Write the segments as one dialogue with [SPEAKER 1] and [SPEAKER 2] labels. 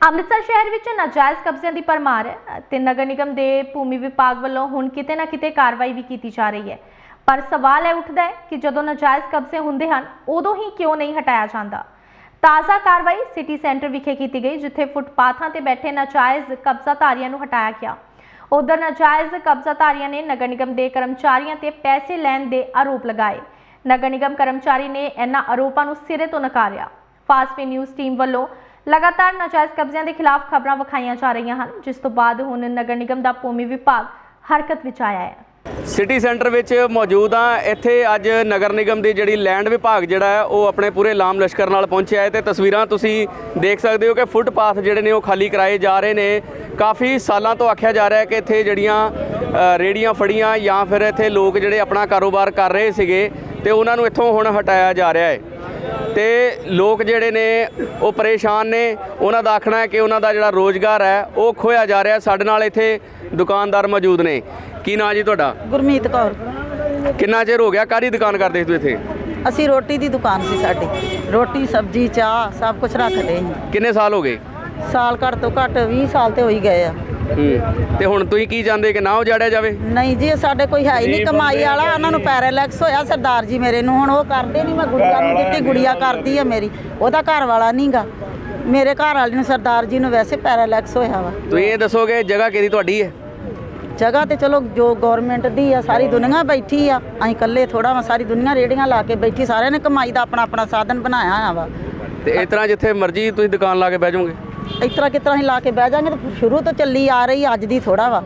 [SPEAKER 1] ਅੰਮ੍ਰਿਤਸਰ ਸ਼ਹਿਰ ਵਿੱਚ ਨਾਜਾਇਜ਼ ਕਬਜ਼ਿਆਂ ਦੀ ਭਰਮਾਰ ਹੈ ਤੇ ਨਗਰ ਨਿਗਮ ਦੇ ਭੂਮੀ ਵਿਭਾਗ ਵੱਲੋਂ ਹੁਣ ਕਿਤੇ ਨਾ ਕਿਤੇ ਕਾਰਵਾਈ ਵੀ ਕੀਤੀ ਜਾ ਰਹੀ ਹੈ। ਪਰ ਸਵਾਲ ਇਹ ਉੱਠਦਾ ਹੈ ਕਿ ਜਦੋਂ ਨਾਜਾਇਜ਼ ਕਬਜ਼ੇ ਹੁੰਦੇ ਹਨ ਉਦੋਂ ਹੀ ਕਿਉਂ ਨਹੀਂ ਹਟਾਇਆ ਜਾਂਦਾ। ਤਾਜ਼ਾ ਕਾਰਵਾਈ ਸਿਟੀ ਸੈਂਟਰ ਵਿਖੇ ਕੀਤੀ ਗਈ, ਜਿੱਥੇ ਫੁੱਟਪਾਥਾਂ ਤੇ ਬੈਠੇ ਨਾਜਾਇਜ਼ ਕਬਜ਼ਾਧਾਰੀਆਂ ਨੂੰ ਹਟਾਇਆ ਗਿਆ। ਉਧਰ ਨਾਜਾਇਜ਼ ਕਬਜ਼ਾਧਾਰੀਆਂ ਨੇ ਨਗਰ ਨਿਗਮ ਦੇ ਕਰਮਚਾਰੀਆਂ ਤੇ ਪੈਸੇ ਲੈਣ ਦੇ ਆਰੋਪ ਲਗਾਏ। ਨਗਰ ਨਿਗਮ ਕਰਮਚਾਰੀ ਨੇ ਇਹਨਾਂ ਆਰੋਪਾਂ ਨੂੰ ਸਿਰੇ ਤੋਂ ਨਕਾਰਿਆ। ਫਾਸਟ ਨਿਊਜ਼ ਟੀਮ ਵੱਲੋਂ लगातार नाजायज़ कब्जियां के खिलाफ खबरां विखाईਆਂ जा रही हैं, जिस तो बाद हुण नगर निगम का भूमि विभाग हरकत विच आया है।
[SPEAKER 2] सिटी सेंटर विच मौजूद हाँ। इत्थे अज नगर निगम की जिहड़ी लैंड विभाग जिहड़ा है वो अपने पूरे लाम लश्कर नाल पहुंचिया है। तो तस्वीरां तुसीं देख सकते हो कि फुटपाथ जिहड़े ने वो खाली कराए जा रहे हैं। काफ़ी सालों तो आख्या जा रहा है कि इत्थे जिहड़ियां रेहड़ियां फड़ियां या फिर इत्थे लोग जिहड़े अपना कारोबार कर रहे सीगे ते उन्हां नूं इत्थों हुण हटाया जा रहा है। तो लोग जिहड़े ने वो परेशान ने, उन्हां दा आखना है कि उन्हां दा जिहड़ा रोज़गार है वो खोया जा रहा है। साडे नाल इत्थे दुकानदार मौजूद ने। की नाम जी तुहाडा?
[SPEAKER 3] गुरमीत कौर।
[SPEAKER 2] कितना चिर हो गया काहदी दुकान करदे तू इत्थे?
[SPEAKER 3] असी रोटी दी दुकान सी साडी, रोटी सब्जी चाह सब कुछ रखदे हैं।
[SPEAKER 2] किन्ने साल हो गए?
[SPEAKER 3] साल घट तो घट 20 साल तो हो ही गए आ।
[SPEAKER 2] ਤੇ ਹੁਣ ਤੁਸੀਂ ਕੀ ਚਾਹੁੰਦੇ ਕਿ ਨਾ ਉਜਾੜਿਆ ਜਾਵੇ?
[SPEAKER 3] नहीं जी, साडे कोई है ही नहीं कमाई वाला। उन्होंने पैरालैक्स होया सरदार जी मेरे नूं, हुण वो करदे नहीं। मैं गुड़िया नूं दित्ती, गुड़िया करदी है मेरी, ओहदा घर वाला नहीं गा। मेरे घर वाले नूं सरदार जी नूं वैसे पैरालैक्स होया वा।
[SPEAKER 2] ਤੁਸੀਂ ਇਹ ਦੱਸੋਗੇ ਜਗ੍ਹਾ ਕਿਹਦੀ ਤੁਹਾਡੀ ਹੈ?
[SPEAKER 3] जगह तो चलो जो गौरमेंट दी है, सारी दुनिया बैठी आ। असीं कल्ले थोड़ा वा, सारी दुनिया रेहड़ियां ला के बैठी, सारिਆਂ ने कमाई का अपना अपना साधन बनाया होया वा।
[SPEAKER 2] ਤੇ ਇਸ ਤਰ੍ਹਾਂ ਜਿੱਥੇ ਮਰਜ਼ੀ ਤੁਸੀਂ ਦੁਕਾਨ ਲਾ ਕੇ ਬਹਿ ਜਾਓਗੇ?
[SPEAKER 3] इस तरह किस तरह ला के बह जाएंगे, तो शुरू तो चली आ रही, अज दी थोड़ा वा।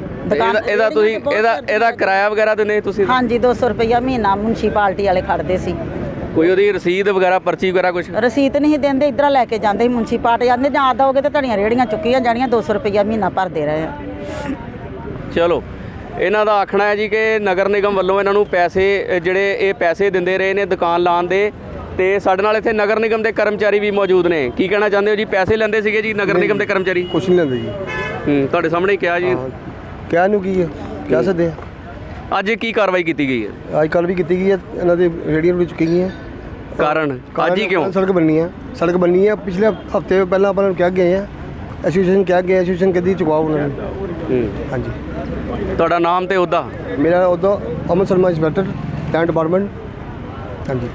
[SPEAKER 2] ਇਹਦਾ ਤੁਸੀਂ ਇਹਦਾ ਕਿਰਾਇਆ ਵਗੈਰਾ ਦਿੰਦੇ ਤੁਸੀਂ?
[SPEAKER 3] हाँ जी, 200 रुपया महीना म्यूनसिपालिटी वाले खड़ते सी।
[SPEAKER 2] ਕੋਈ ਉਹਦੀ ਰਸੀਦ ਵਗੈਰਾ ਪਰਚੀ ਵਗੈਰਾ ਕੁਝ?
[SPEAKER 3] रसीद नहीं देंदे, इधर लैके जाते म्यूनसिपालिटी आते ਜਾਂ ਦੋਗੇ तो धड़ियाँ रेहड़ियाँ चुकियां जानियां, 200 रुपया महीना भरते रहे हैं।
[SPEAKER 2] ਚਲੋ ਇਹਨਾਂ ਦਾ ਆਖਣਾ ਹੈ ਜੀ ਕਿ ਨਗਰ ਨਿਗਮ ਵੱਲੋਂ ਇਹਨਾਂ ਨੂੰ ਪੈਸੇ ਜਿਹੜੇ ਇਹ ਪੈਸੇ ਦਿੰਦੇ ਰਹੇ ਨੇ ਦੁਕਾਨ ਲਾਉਣ ਦੇ। ਤੇ ਸਾਡੇ ਨਾਲ ਇੱਥੇ ਨਗਰ ਨਿਗਮ ਦੇ ਕਰਮਚਾਰੀ ਵੀ ਮੌਜੂਦ ਨੇ। ਕੀ ਕਹਿਣਾ ਚਾਹੁੰਦੇ ਹੋ ਜੀ? ਪੈਸੇ ਲੈਂਦੇ ਸੀਗੇ ਜੀ ਨਗਰ ਨਿਗਮ ਦੇ ਕਰਮਚਾਰੀ?
[SPEAKER 4] ਕੁਛ ਨਹੀਂ ਲੈਂਦੇ ਜੀ।
[SPEAKER 2] ਤੁਹਾਡੇ ਸਾਹਮਣੇ ਹੀ ਕਿਹਾ ਜੀ।
[SPEAKER 4] ਕਹਿ ਨੂੰ ਕੀ ਹੈ, ਕਹਿ ਸਕਦੇ ਆ।
[SPEAKER 2] ਅੱਜ ਕੀ ਕਾਰਵਾਈ ਕੀਤੀ ਗਈ ਹੈ?
[SPEAKER 4] ਅੱਜ ਕੱਲ੍ਹ ਵੀ ਕੀਤੀ ਗਈ ਹੈ, ਇਹਨਾਂ ਦੇ ਰੇਹੜੀਆਂ ਵੀ ਚੁੱਕੀ ਗਈਆਂ।
[SPEAKER 2] ਕਾਰਨ ਅੱਜ ਹੀ ਕਿਉਂ?
[SPEAKER 4] ਸੜਕ ਬਣਨੀ ਹੈ। ਪਿਛਲੇ ਹਫਤੇ ਪਹਿਲਾਂ ਆਪਾਂ ਨੂੰ ਕਹਿ ਗਏ ਆ, ਐਸੋਸੀਏਸ਼ਨ ਕਹਿ ਗਏ, ਐਸੋਸੀਏਸ਼ਨ ਕਦੀ ਚੁਕਾਓ ਉਹਨਾਂ ਨੂੰ। ਹਾਂਜੀ।
[SPEAKER 2] ਤੁਹਾਡਾ ਨਾਮ ਤੇ ਉਹਦਾ?
[SPEAKER 4] ਮੇਰਾ ਉਹਦਾ Aman Sharma, inspector land department. ਹਾਂਜੀ।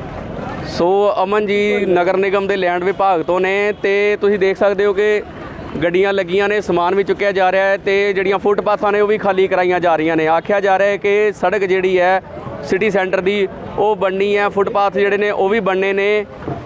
[SPEAKER 2] ਸੋ ਅਮਨ ਜੀ ਨਗਰ ਨਿਗਮ ਦੇ ਲੈਂਡ ਵਿਭਾਗ ਤੋਂ ਨੇ। ਤੇ ਤੁਸੀਂ ਦੇਖ ਸਕਦੇ ਹੋ ਕਿ ਗੱਡੀਆਂ ਲੱਗੀਆਂ ਨੇ, ਸਮਾਨ ਵੀ ਚੁੱਕਿਆ ਜਾ ਰਿਹਾ ਹੈ ਤੇ ਜਿਹੜੀਆਂ ਫੁੱਟਪਾਥਾਂ ਨੇ ਉਹ ਵੀ ਖਾਲੀ ਕਰਾਈਆਂ ਜਾ ਰਹੀਆਂ ਨੇ। ਆਖਿਆ ਜਾ ਰਿਹਾ ਹੈ ਕਿ ਸੜਕ ਜਿਹੜੀ ਹੈ ਸਿਟੀ ਸੈਂਟਰ ਦੀ ਉਹ ਬਣਨੀ ਹੈ, ਫੁੱਟਪਾਥ ਜਿਹੜੇ ਨੇ ਉਹ ਵੀ ਬਣਨੇ ਨੇ।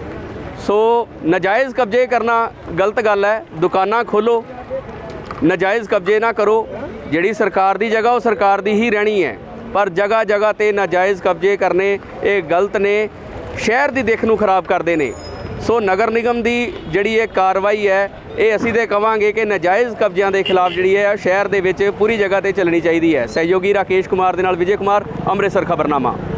[SPEAKER 2] ਸੋ ਨਾਜਾਇਜ਼ ਕਬਜ਼ੇ ਕਰਨਾ ਗਲਤ ਗੱਲ ਹੈ। ਦੁਕਾਨਾਂ ਖੋਲ੍ਹੋ, ਨਾਜਾਇਜ਼ ਕਬਜ਼ੇ ਨਾ ਕਰੋ। ਜਿਹੜੀ ਸਰਕਾਰ ਦੀ ਜਗ੍ਹਾ ਉਹ ਸਰਕਾਰ ਦੀ ਹੀ ਰਹਿਣੀ ਹੈ, ਪਰ ਜਗ੍ਹਾ ਜਗ੍ਹਾ 'ਤੇ ਨਾਜਾਇਜ਼ ਕਬਜ਼ੇ ਕਰਨੇ ਇਹ ਗਲਤ ਨੇ, ਸ਼ਹਿਰ ਦੀ ਦਿੱਖ ਨੂੰ ਖਰਾਬ ਕਰਦੇ ਨੇ। ਸੋ ਨਗਰ ਨਿਗਮ ਦੀ ਜਿਹੜੀ ਇਹ ਕਾਰਵਾਈ ਹੈ ਇਹ ਅਸੀਂ ਤਾਂ ਕਹਾਂਗੇ ਕਿ ਨਾਜਾਇਜ਼ ਕਬਜ਼ਿਆਂ ਦੇ ਖਿਲਾਫ ਜਿਹੜੀ ਹੈ ਸ਼ਹਿਰ ਦੇ ਵਿੱਚ ਪੂਰੀ ਜਗ੍ਹਾ 'ਤੇ ਚੱਲਣੀ ਚਾਹੀਦੀ ਹੈ। ਸਹਿਯੋਗੀ ਰਾਕੇਸ਼ ਕੁਮਾਰ ਦੇ ਨਾਲ ਵਿਜੇ ਕੁਮਾਰ, ਅੰਮ੍ਰਿਤਸਰ ਖਬਰਨਾਮਾ।